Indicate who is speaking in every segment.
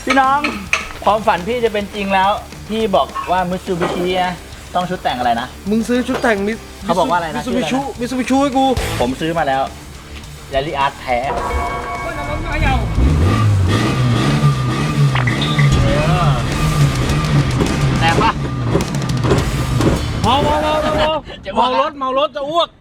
Speaker 1: พี่น้องความฝันพี่จะเป็นจริงแล้วพี่บอกว่ามิตซูบิชิต้องชุดแต่งอะไรนะ
Speaker 2: มึงซื้อชุดแต่ง
Speaker 1: เขาบอกว่าอะไรนะ
Speaker 2: มิตซูบิชิให้กู
Speaker 1: ผมซื้อมาแล้วแรลลี่อาร์ตแท้แต่ปะ
Speaker 2: เมารถจะอ้วก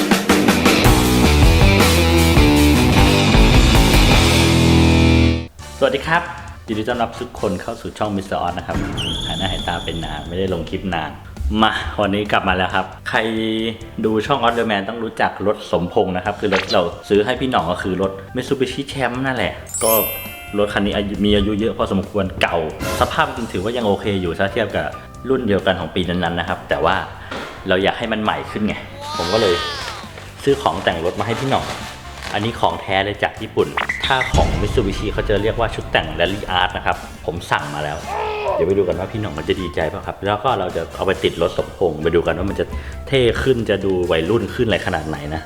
Speaker 1: สวัสดีครับยินดีต้อนรับทุกคนเข้าสู่ช่องมิสเตอร์ออสนะครับหายหน้าหายตาเป็นนานไม่ได้ลงคลิปนานมาวันนี้กลับมาแล้วครับใครดูช่องออสเดอร์แมนต้องรู้จักรถสมพงษ์นะครับคือรถเราซื้อให้พี่หน่องก็คือรถ Mitsubishi Champ นั่นแหละก็รถคันนี้มีอายุเยอะพอสมควรเก่าสภาพจริงถือว่ายังโอเคอยู่ถ้าเทียบกับรุ่นเดียวกันของปีนั้นๆนะครับแต่ว่าเราอยากให้มันใหม่ขึ้นไงผมก็เลยซื้อของแต่งรถมาให้พี่หน่องอันนี้ของแท้เลยจากญี่ปุ่นถ้าของ Mitsubishi เขาจะเรียกว่าชุดแต่ง Rally Art นะครับผมสั่งมาแล้วเดี๋ยวไปดูกันว่าพี่หน่องมันจะดีใจเปล่ะครับแล้วก็เราจะเอาไปติดรถสมพงษ์ไปดูกันว่ามันจะเท่ขึ้นจะดูวัยรุ่นขึ้นอะไรขนาดไหนนะ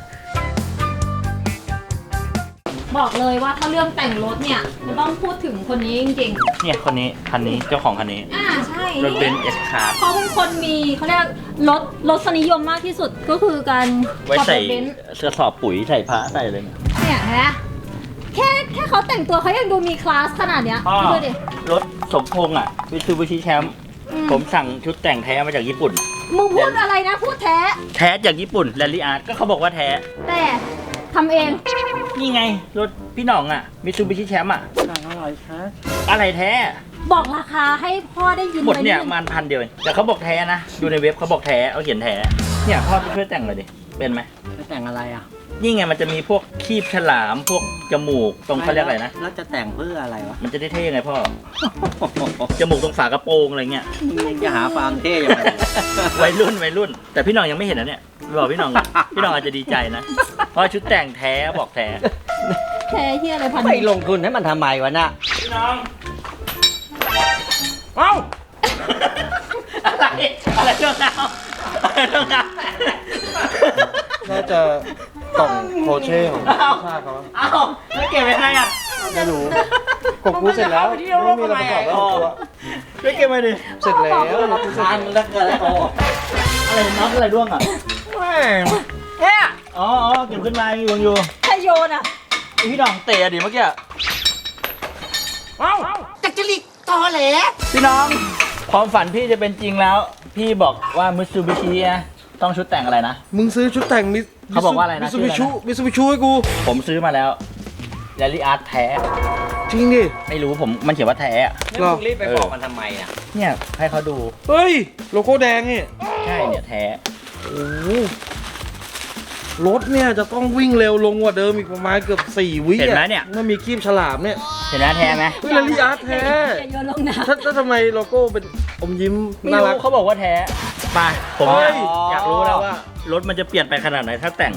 Speaker 3: บอกเลยว่าถ้าเรื่องแต่งรถเนี่ยมันต้องพูดถึงคนนี้จริงๆ
Speaker 1: เนี่ยคนนี้คันนี้เจ้าของคันนี้
Speaker 3: ใช่
Speaker 1: รถเบนซ์เอสคาร์
Speaker 3: เขาเป็นคนมีเขาเรียกรถสนิยมมากที่สุดก็คือการ
Speaker 1: ไว้ใส่เสื้อสอบปุ๋ยใส่ผ้าใส่อะไร
Speaker 3: เนี่ยฮะแค่เขาแต่งตัวเขายังดูมีคลาสขนาดเนี้ยดูดิ
Speaker 1: รถสมพงษ์อ่ะมิตซูบิชิแชมป์ผมสั่งชุดแต่งแท้มาจากญี่ปุ่น
Speaker 3: มึงพูดอะไรนะพูดแท้
Speaker 1: จากญี่ปุ่นแรลลี่อาร์ตก็เขาบอกว่าแท้
Speaker 3: แต่ทำเอง
Speaker 1: นี่ไงรถพี่หน่องอ่ะมิตซูบิชิแชมป์อ่ะอะไรแท้
Speaker 3: บอกราคาให้พ่อได้ยิน
Speaker 1: หมดเนี่ยมัน1,000 เดียวแต่เขาบอกแท้นะดูในเว็บเขาบอกแท้เขาเขียนแท้เนี่ยพ่อช่วยแต่งเลยดิเป็นไหม
Speaker 4: แต่งอะไรอ่ะ
Speaker 1: นี่ไงมันจะมีพวกคีบฉลามพวกจมูกตรงเขาเรียกอะไรนะ
Speaker 4: แล้วจะแต่งเพื่ออะไรวะ
Speaker 1: มันจะได้เท่ไงพ่อ จมูกตรงฝากระโปรงอะไรเงี้ย
Speaker 4: จะหาฟาร์มเท่ยังไง
Speaker 1: วัยรุ่นแต่พี่หน่องยังไม่เห็นนะเนี่ยบอกพี่หน่องอาจจะดีใจนะเพราะชุดแต่งแท้บอกแท้
Speaker 3: เฮียอะไรพัน
Speaker 4: ไม่ลงทุนให้มันทำไมวะน่ะ
Speaker 1: พี่น้องเอ้าอะไรเรื่องราว
Speaker 2: น่าจะกล่องโคเช่ของชาเขา
Speaker 1: แล้วเก็บยังไงอ่ะ
Speaker 2: ไม่รู้กบกูเสร็จแล้วไม่มีอะไรประกอบแล้ว
Speaker 1: ไม่เก็บไปดิ
Speaker 2: เสร็จแล้ว
Speaker 4: ทานแล้วเกิดอะไร
Speaker 1: อะไรน็อตอะไรร่วงอ่ะ
Speaker 3: เนี่ย
Speaker 1: อ๋อเก็บขึ้นมามีวงอยู่
Speaker 3: ใครโยนอ่ะ
Speaker 1: พี่น้องเตะดิเมื่อกี้
Speaker 4: จักรลิกตอแหล
Speaker 1: พี่น้องความฝันพี่จะเป็นจริงแล้วพี่บอกว่ามิตซูบิชิต้องชุดแต่งอะไรนะ
Speaker 2: มึงซื้อชุดแต่ง
Speaker 1: เขาบอกว่าอะไรนะ
Speaker 2: มิตซูบิชิให้กู
Speaker 1: ผมซื้อมาแล้วแรลลี่อาร์ตแท้
Speaker 2: จริงดิ
Speaker 1: ไม่รู้มันเขียนว่าแท้
Speaker 4: แล้วมึงรีบไปบอกมันทำไมอ่ะ
Speaker 1: เนี่ยให้เขาดู
Speaker 2: เฮ้ยโลโก้แดงนี่
Speaker 1: ใช่เนี่ยแท้
Speaker 2: โอ้รถเนี่ยจะต้องวิ่งเร็วลงกว่าเดิมอีกประมาณเกือบ4 วิ
Speaker 1: เห็นไหมเนี่ย
Speaker 2: มันมีคีบฉลามเนี่ย
Speaker 1: เห็นไหมแท้ไหม
Speaker 2: แรลลี่อาร์ตแท้ถ้าทำไมโลโก้เป็นอมยิ้ม
Speaker 1: น่ารักเขาบอกว่าแท้ไปผมอยากรู้แล้วว่ารถมันจะเปลี่ยนไปขนาดไหนถ้าแต่ง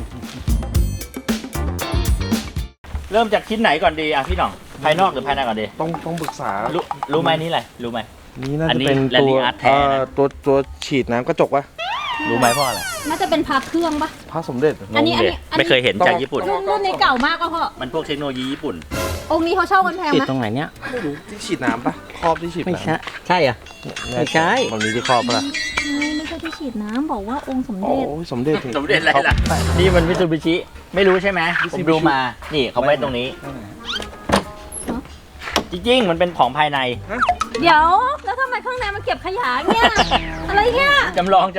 Speaker 1: เริ่มจากชิ้นไหนก่อนดีอ่ะพี่หน่องภายนอกหรือภายในก่อนดี
Speaker 2: ต้องปรึกษา
Speaker 1: รู้ไหมนี่อะไรรู้ไหม
Speaker 2: นี่น่าจะเป็นตัวฉีดน้ำกระจกวะ
Speaker 1: รู้ไหมพ่ออะไร
Speaker 3: น่าจะเป็นพาเครื่องปะ
Speaker 2: พาสมเด็จ
Speaker 3: อันนี้
Speaker 1: ไม่เคยเห็นจากญี่ปุ่น
Speaker 3: รุ่นนี้เก่ามากก็พ่อ
Speaker 1: มันพวกเทคโนโลยีญี่ปุ่น
Speaker 3: องค์นี้เขาเช่ากันแพงไหม
Speaker 4: ติดตรงไหนเนี้ย
Speaker 2: ไม่รู้ที่ฉีดน้ำปะครอบที่ฉีด
Speaker 4: ไม่ใช่ใช่อ่ะไม่ใช่
Speaker 2: มันมีที่ครอบปะ
Speaker 3: ไม่ใช่ที่ฉีดน้ำบอกว่าองค์สมเด็จ
Speaker 2: โอ้ยสมเด็จ
Speaker 1: อะไรล่ะนี่มันมิตซูบิชิไม่รู้ใช่ไหมผมดูมานี่เขาไว้ตรงนี้จริงๆมันเป็นของภายใน
Speaker 3: เดี๋ยวแล้วทำไมข้างในมันเก็บขยะเนี่ยอะไรเนี่ย
Speaker 1: จำลอง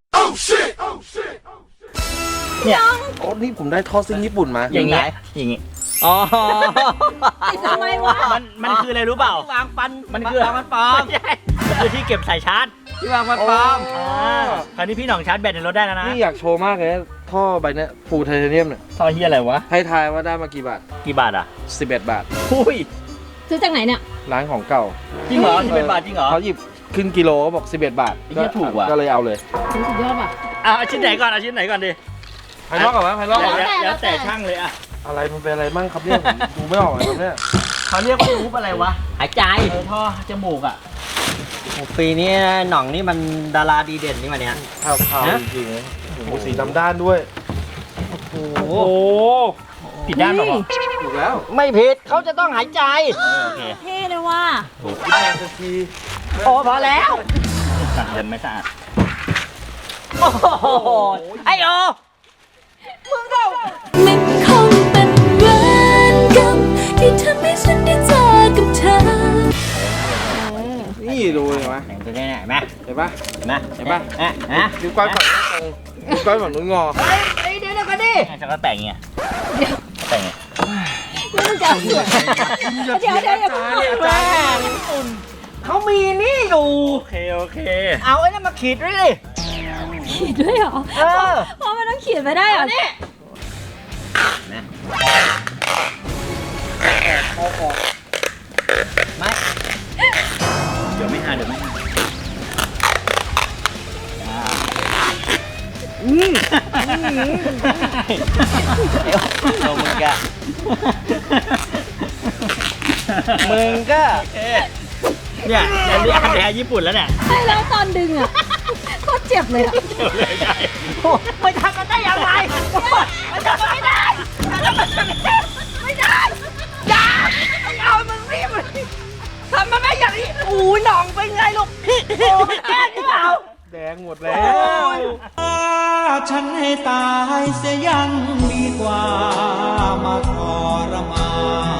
Speaker 1: เนี่ย
Speaker 2: โอ้นี่ผมได้ท่อซิ่งญี่ปุ่นมา
Speaker 1: อย่างงี้
Speaker 4: อ๋อ
Speaker 3: ทำไมวะ
Speaker 1: มันคืออะไรรู้เปล่าว
Speaker 4: างฟัน
Speaker 1: มันคือ
Speaker 4: มันปลอม
Speaker 1: คือที่เก็บสายชาร์จ
Speaker 4: ที่วางฟันปลอม
Speaker 1: คราวนี้พี่หน่องชาร์จแบตในรถได้แล้วนะ
Speaker 2: นี่อยากโชว์มากเลยท่อใบนี้ฟูลไทเทเนียมเนี่ย
Speaker 1: ท่อเฮียอะไรวะ
Speaker 2: ให้ทายว่าได้มากี่บาท
Speaker 1: อ่ะ
Speaker 2: 11 บาท
Speaker 1: อุ้ย
Speaker 3: ซื้อจากไหนเนี่ย
Speaker 2: ร้านของเก่า
Speaker 1: จริงเหรอ11 บาทจริงเหรอ
Speaker 2: เขาหยิบขึ้นกิโลบอก11 บาท
Speaker 1: ก็ถูกว่ะ
Speaker 2: ก็เลยเอาเลย
Speaker 3: สุดยอดป่ะ
Speaker 1: เอาชิ้นไหนก่อนดิ
Speaker 2: ภายนอกก่อนไหมภายนอก
Speaker 1: แล้วแต่ช่างเลยอะ
Speaker 2: อะไรมันเป็นอะไรมั่งครับเนี่ยดูไม่ออกเลยครับเนี่ย
Speaker 1: เขาเรียกว่ารูปอะไรวะ
Speaker 4: หายใจ
Speaker 1: ท่อจมูกอ่ะ
Speaker 4: ปีนี้หน่องนี่มันดาราดีเด่นนี่มาเนี่ย
Speaker 2: ขาวจริงๆโอ้โหสีดำด้านด้วยโอ้โห
Speaker 1: ผิดด้านบอกว่า
Speaker 2: ถูกแล้ว
Speaker 4: ไม่ผิดเขาจะต้องหายใจ
Speaker 1: โอเค
Speaker 3: เท่เลยว่ะ
Speaker 2: คิดแรงสักที
Speaker 4: โอ้พอแล้ว
Speaker 1: สั่งเดินไม่สะอาด
Speaker 4: โอ้โหไอโอ
Speaker 5: มันคงเป็นเวรกรรมที่ทำให้ฉันได้เจอกับเธอ
Speaker 2: นี่ดูเห็นไหม
Speaker 4: ไหนจะได้ไหนไหม
Speaker 2: เห็นปะ
Speaker 4: เห็นไหม
Speaker 2: เห็นปะ
Speaker 4: นะ
Speaker 2: นิ้วก้อยฝั่งนี้ตรงนิ้วก้อยฝั่งนู้นงอ
Speaker 4: เฮ้ยเดี๋ยวกันดิ
Speaker 1: จะก็แต่งเงี้ยแต่งเงี้ย
Speaker 3: นี่มันจะเอาเสือเดี๋ยวอย่าเพิ่ง
Speaker 4: แม่เขามีนี่อยู่
Speaker 1: โอเคโอเค
Speaker 4: เอาไอ้นั่นมาขีดด้วยดิ
Speaker 3: ขีดด้วยเหรอ
Speaker 4: เออ
Speaker 3: เพราะมันต้องขีดไปได้เหรอเนี่ย
Speaker 4: ไม่
Speaker 1: เดี๋ยวไม่หาเดี๋ยวไม่หา
Speaker 4: เรามึงก็มึงก็
Speaker 1: เนี่ยแล้วเรียกแพ้ญี่ปุ่นแล้วเนี่ย
Speaker 3: ใช่แล้วตอนดึงอ่ะโคตรเจ็บเลยอ่ะ
Speaker 1: เดี๋ยวเลยใหญ่
Speaker 4: โอ้ไม่ทำกันได้ยังไงมันทำไม่ได้ไม่ได้อย่าไม่เอามึงรีบทำมันไม่อย่างนี้โอ้ยหน่องเป็นไงลูกโอ้ยแกล้งหรือเปล่า
Speaker 2: แดงหมดแล้ว
Speaker 6: ฉันให้ตายเสียยังดีกว่ามาทรมาน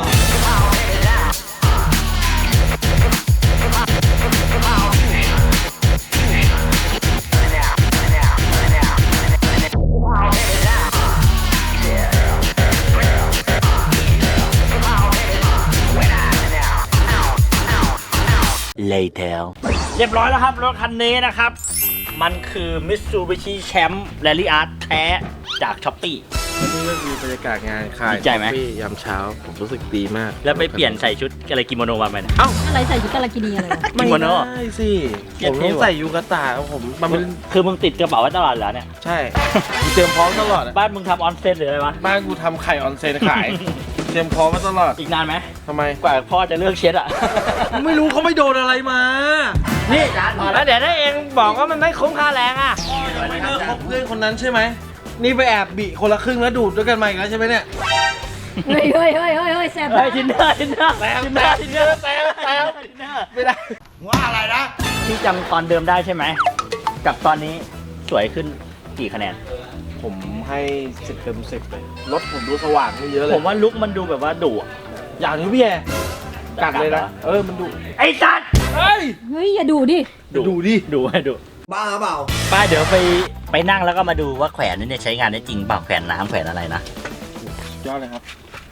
Speaker 1: later เรียบร้อยแล้วครับรถคันนี้นะครับ มันคือ Mitsubishi Champ Rally Art แท้จากช้อปปี้
Speaker 2: นี่ก็คือบรรยากาศงานขาย
Speaker 1: ดีใจไหม
Speaker 2: กาแฟยามเช้าผมรู้สึกดีมาก
Speaker 1: แล้วไปเปลี่ยนใส่ชุดอะไรกิโมโนมาไหมเนี่ย
Speaker 3: อะไรใส่ชุดกาลากินีอะไรวะ
Speaker 2: ไม่
Speaker 1: กิโมโน
Speaker 2: ได้สิ
Speaker 1: เทีย
Speaker 2: ผ
Speaker 1: บ
Speaker 2: ม
Speaker 1: เท่
Speaker 2: ต้อง
Speaker 1: ว่ะ
Speaker 2: ใส่ยูกาตะผมมันเป็น
Speaker 1: คือมึงติดกระเป๋าไว้ตลอดแล้วเนี่ย
Speaker 2: ใช่ เตรียมพร้อมตลอดอะ
Speaker 1: บ้านมึงทำออนเซนหรืออะไรวะ
Speaker 2: บ้านกูทำไข่ออนเซนขาย เตรียมพร้อมมาตลอด
Speaker 1: อีกนานไหม
Speaker 2: ทำไม
Speaker 1: กว่าพ่อจะเลือกเช็ดอ่ะ
Speaker 2: ไม่รู้เขาไม่โดนอะไรมา นี่
Speaker 4: แล้วเดี๋ยวถ้าเองบอกว่ามันไม่คุ้มค่าแรงอ่ะ
Speaker 2: ไม่เลิกคบเพื่อนคนนั้นใช่ไหมนี่ไปแอบบิคนละครึ่งแล้วดูดด้วยกันมาอีกแล้วใช่ไหมเนี่ย
Speaker 3: เฮ้ยเฮ้ยเฮ้ยเฮ้ยเฮ้ยแซ่บ
Speaker 1: เฮ้ยทินเนอร์ทินเนอร์
Speaker 2: แซม
Speaker 1: ทินเนอร์ทินเนอร์
Speaker 2: แซมแซม
Speaker 1: ทินเนอร์
Speaker 2: ไม่ได้
Speaker 1: ที่จำตอนเดิมได้ใช่ไหม กับตอนนี้สวยขึ้นกี่คะแนน
Speaker 2: ผมให้10 เต็ม 10เลยรถผมดูสว่างขึ้นเยอะเลย
Speaker 1: ผมว่าลุคมันดูแบบว่าดุอะ
Speaker 2: อย่างนี้พี่แอกัดเลยนะมันดู
Speaker 1: ไอ้สัตว์
Speaker 2: เฮ้ย
Speaker 3: เฮ้ยอย่าดูดิ
Speaker 2: ดูดิ
Speaker 1: ดูให้ดู
Speaker 6: บ้าเปล่า
Speaker 1: ป้าเดี๋ยวไปนั่งแล้วก็มาดูว่าแขวนนี่เนี่ยใช้งานได้จริงเปล่าแขวนน้ำแขวนอะไรนะ
Speaker 2: ยอดเลยครับ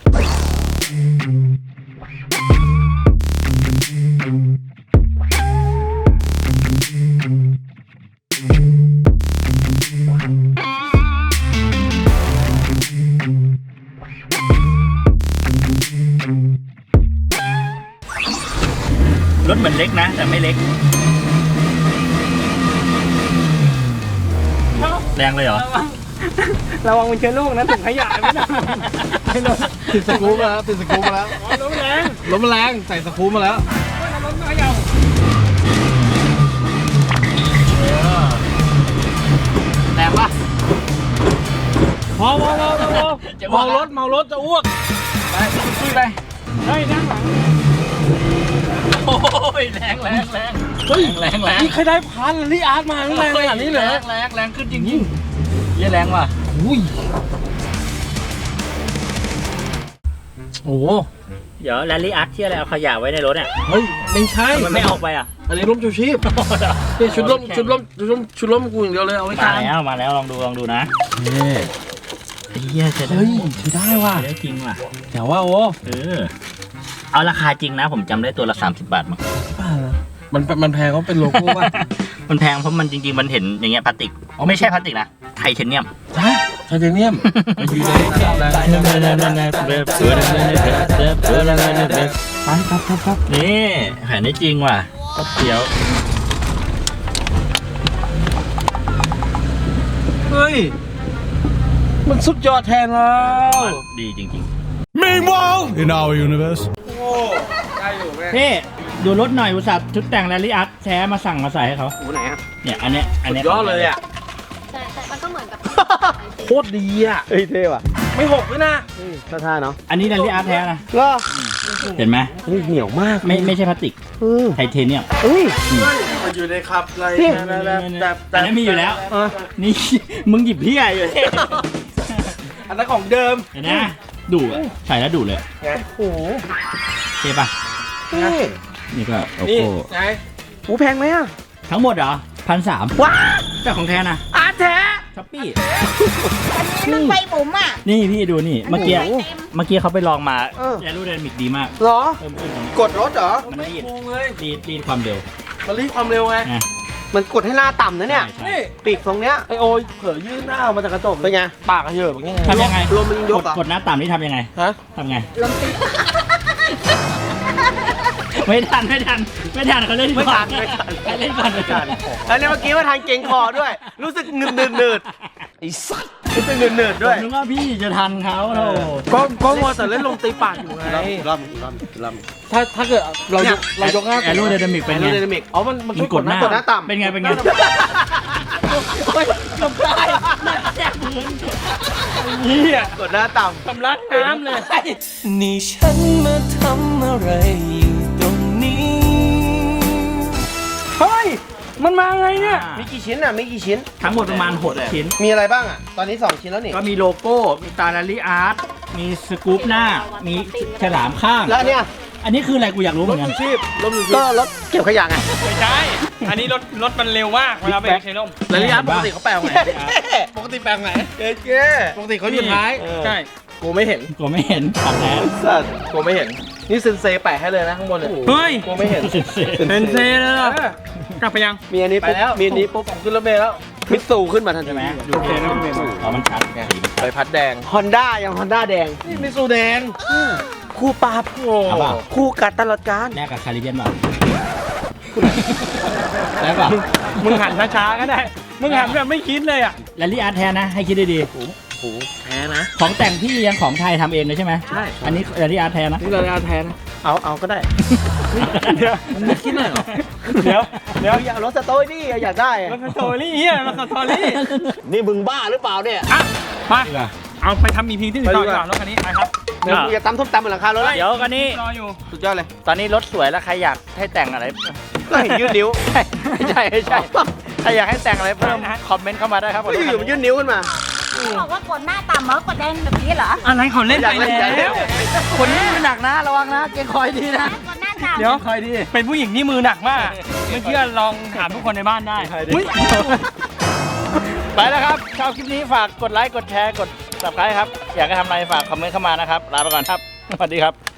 Speaker 1: รถเหมือนเล็กนะ แต่ไม่เล็ก แรงเลยเหรอ
Speaker 4: ระวังมันเชื้อโรคนะถุงขยะไม่ได้ไม่โดน
Speaker 2: ติดสกรูมาแล้วติดสกรูมาแล้ว
Speaker 4: ล้มแรง
Speaker 2: รถมันแรงใส่สกรูมาแล้ว
Speaker 4: ล้มขยะ
Speaker 1: แรงปะ
Speaker 2: เมารถจะอ้วก
Speaker 1: ไปขึ้นไป
Speaker 4: เฮ้ยนั่งหลัง
Speaker 1: โอ้ยแรงแรงแรง
Speaker 2: เฮ้ย
Speaker 1: แรงแรง
Speaker 2: นี่ใครได้พันลี่อาร์ตมาแรงขนาดนี้เหรอ
Speaker 1: แรงแรงขึ้นจริงๆเยี่ยแรงว่ะ
Speaker 2: อุ้ยโอ้โห
Speaker 1: เดี๋ยวแรลลี่อาร์ตที่อะไรเอาขยะไว้ในรถเนี่ย
Speaker 2: เฮ้ยไม่ใช่
Speaker 1: มันไม่ออกไปอ่ะ
Speaker 2: อันนี้ร่มชูชีพนี่ชุดร่มกูอย่างเดียวเลยเอาไว้ก
Speaker 1: มา
Speaker 2: ลาง
Speaker 1: แล้วมาแล้วลองดูนะนี่ไอ้เหี้ยจะได้
Speaker 2: เฮ้ยใช้ได้ว่ะ
Speaker 1: ได้จริงว่ะ
Speaker 2: เดี๋ยวว่าโอ้
Speaker 1: เอาราคาจริงนะ ผมจำได้ตัวละ30 บาทมั้ง
Speaker 2: มันแพงก็เป็นโลโก้ป่ะ
Speaker 1: มันแพงเพราะมันจริงๆมันเห็นอย่างเงี้ยพลาสติก
Speaker 2: อ๋อ
Speaker 1: ไม่ใช่พลาสติกนะไทเทเนียม
Speaker 2: ฮะไทเทเนียมอยู่ในครับ
Speaker 1: นี่แผ่นได้จริงว่ะก็เดี๋ยว
Speaker 2: เฮ้ยมันสุดยอดแทนแล้ว
Speaker 1: ดีจริง
Speaker 7: Meanwhile, in our universe.
Speaker 2: ได้อยู่แม่
Speaker 1: ๆพี่ดูรถหน่อยอุตส่าห์ชุดแต่งแรลลี่อาร์ตแท้มาสั่งมาใส่ให้เขา
Speaker 2: หูไหนอ่ะ
Speaker 1: เนี่ยอันเนี้ย
Speaker 2: สุดยอดเลยอ่ะ
Speaker 3: แต่มันก็เหมือนกับ
Speaker 2: โคตรดีอ่ะ
Speaker 4: เฮ้ยเท่ว่ะ
Speaker 2: ไม่หกด้วยนะ
Speaker 8: ท่าเนาะ
Speaker 1: อันนี้แรลลี่อาร์ตแท้นะ
Speaker 8: เหรอ
Speaker 1: เห็นไหม
Speaker 8: เหนียวมาก
Speaker 1: ไม่ใช่พลาสติก ไทเทเนียม
Speaker 2: มันอยู่ในครับอะไร
Speaker 1: แต่นั้นมีอยู่แล้ว นี่ มึงหยิบเพี้ยอยู่เนี่ย
Speaker 2: อันนั้นของเดิม
Speaker 1: เห็นนะดูอะใส่แล้วดูเลย
Speaker 2: ไงโอ้โห
Speaker 1: เท่ปะนี่ก็โอ
Speaker 2: นี่
Speaker 1: โก้
Speaker 2: ไง
Speaker 8: หูแพงไหมอ่ะ
Speaker 1: ทั้งหมดเหรอ1,300
Speaker 8: ว้า
Speaker 1: แต่ของแท้นะ
Speaker 8: อาร์ตแท้
Speaker 1: ช้อปปี้
Speaker 4: อันนี้รถไฟบุ๋มอ่ะ
Speaker 1: นี่พี่ดูนี่ เมื่อกี้
Speaker 4: อันนี้
Speaker 1: เมื่อกี้เขาไปลองมา
Speaker 8: เออ
Speaker 1: แอโรไดนามิกดีมาก
Speaker 8: เหรอ
Speaker 1: เพิ่มขึ้น
Speaker 8: กดรถเหรอ
Speaker 1: มันรีด
Speaker 2: โกงเลย
Speaker 1: รีดความเร็ว
Speaker 2: มันรีดความเร็วไง
Speaker 1: นะ
Speaker 8: มันกดให้หน้าต่ำนะเนี่ย
Speaker 1: ใช่
Speaker 2: นี่
Speaker 8: ปีกตรงเนี้ย
Speaker 2: ไอโอยเผลอยื่นหน้าออกมาจากกระจก
Speaker 8: เป็นไง
Speaker 2: ปากกระเหยอะแบบนี้ไง
Speaker 1: ทำยังไง
Speaker 8: ลมมันยกเหรอ
Speaker 1: กดหน้าต่ำนี่ทำยังไง
Speaker 2: ฮะ
Speaker 1: ทำไง ไม่ทันเขาเล่นก่อนเขาเล่นก่อนไม่ทัน
Speaker 8: แล้วเนี่ยเมื่อกี้ว่าทานเก่งคอด้วย รู้สึกหนืดไอ้สัสรู้สึกหนืดด้วย
Speaker 1: ผมนึกว่าพี่จะทันเขาโธ่
Speaker 2: ก็มัวแต่เล่นลงตีปากอยู่ไง
Speaker 8: รอบ
Speaker 2: ถ้าเกิดเรายกหน้า
Speaker 1: แอโรไดนามิกเป็นไง
Speaker 8: ไดนามิก
Speaker 2: อ๋อมัน
Speaker 1: มัน
Speaker 2: ช่วย
Speaker 1: กดหน้าก
Speaker 8: ดหน้าต่ำ
Speaker 1: เป็นไง
Speaker 2: จบได้นี่อ่ะ
Speaker 8: กดหน้าต่ำ
Speaker 2: ทำร้านน้ำเลย
Speaker 6: นี่ฉันมาทำอะไรอยู่ตรงนี้
Speaker 2: เฮ้ยมันมาไงเนี่ย
Speaker 8: มีกี่ชิ้นอ่ะ มีกี่ชิ้น
Speaker 1: ทั้งหมดประมาณ6ชิ้น
Speaker 8: มีอะไรบ้างอ่ะ ตอนนี้ 2 ชิ้นแล้วนี่
Speaker 1: ก็มีโลโก้ มีตาแรลลี่อาร์ต มีสกู๊ปหน้า มีฉลามข้าง
Speaker 8: แล้วเนี่ย
Speaker 1: อันนี้คืออะไรกูอยากรู้เหมือนกัน
Speaker 8: ก็รถเก็บขยะไง
Speaker 2: ไม่ใช่ อันนี้รถมันเร็วมากเวลาไปใช้ร่มแล้วระยะปกติเขาแปลงไงปกติแปลงไหน
Speaker 8: เจ๊
Speaker 2: ปกติเขาอยู่ท้าย ใช่กูไม่เห็น
Speaker 1: กูไม่เห็นของแท้
Speaker 8: สัตว์
Speaker 2: กูไม่เห็น นี่เซนเซแปะให้เลยนะข้างบนเนี่ย
Speaker 9: เฮ้ย
Speaker 2: กูไม่เห็น
Speaker 9: เป็นเซเลยเหรอ กลับไปยัง
Speaker 8: มีอันนี้
Speaker 2: ไป
Speaker 8: ปุ๊บ
Speaker 2: แล้ว
Speaker 8: มีอันนี้ปุ๊บ
Speaker 2: ผมขึ้นรถเมล์แล้ว
Speaker 8: มิตซูขึ้นมาทันที
Speaker 1: ใช่ไหม
Speaker 2: โอเคนะพี่เมย์
Speaker 1: อ๋อมันชัดไง
Speaker 2: ใบพัดแดง
Speaker 8: ฮอนด้ายังฮอนด้าแดง
Speaker 2: นี่มิสูแดง
Speaker 8: คู่ปราบ
Speaker 1: เอาเปล่า
Speaker 8: คู่กัดตลอดการ
Speaker 1: แลกกับคาริเบียนเปล่าแลกเปล่า
Speaker 9: มึงหันช้าๆก็ได้ มึงหันแบบไม่คิดเลยอ่ะ
Speaker 1: แรลลี่อาร์ตแท้นะ ให้คิดดี
Speaker 2: แพ้นะ
Speaker 1: ๆของแต่งพี่ยังของไทยทำเองเลยใช่ไหม
Speaker 2: ใช่
Speaker 1: อันนี้แรลลี่อาร์ตแท้นะ
Speaker 2: นี่เราจะแพ้นะ
Speaker 8: เอาก็ได้
Speaker 9: เดี๋ยว
Speaker 2: มึงไม่คิดเลยเหรอ
Speaker 9: เดี๋ยว
Speaker 8: อยากรถสโตร์ดี้อยากได้อะ
Speaker 9: รถสตอรี่เฮียรถสตอรี่
Speaker 8: นี่มึงบ้าหรือเปล่าเนี่ย
Speaker 9: อ่ะมา
Speaker 1: ดีกว่า
Speaker 9: เอาไปทำมีพิงที่อื่นต่อดีกว่ารถคันนี้ไปครับ
Speaker 8: เดี๋ยวกูจะตำส้มตำบนหลังคารถแล้ว
Speaker 1: เดี๋ยวกันนี้
Speaker 9: รออยู่
Speaker 8: สุดยอดเลย
Speaker 1: ตอนนี้รถสวยแล้วใครอยากให้แต่งอะไร
Speaker 8: ก็เห็นยื่นนิ้ว
Speaker 1: ไม่ใช่ใครอยากให้แต่งอะไรเพิ่มคอมเมนต์เข้ามาได้ครับ
Speaker 8: ก็อยู่ๆมันยื่นนิ้วขึ้นมา
Speaker 4: บอกว่ากดหน้าต่ำเหรอกดแดงแบบนี้เหรอ
Speaker 9: อะไรเขาเล่นไป
Speaker 8: อยากเล่น
Speaker 9: แล้ว
Speaker 1: คนนี้มันหนักนะระวังนะเกรงคอยดีนะ
Speaker 4: กดหน้าต่ำ
Speaker 9: เดี๋ยว
Speaker 1: คอยดี
Speaker 9: เป็นผู้หญิงที่มือหนักมาก ไม่เชื่อลองถามทุกคนในบ้านได้ อุ๊ย
Speaker 1: ไปแล้วครับชอบคลิปนี้ฝากกดไลค์กดแชร์กด subscribe ครับอยากให้ทำอะไรฝากคอมเมนต์เข้ามานะครับลาไปก่อนครับสวัสดีครับ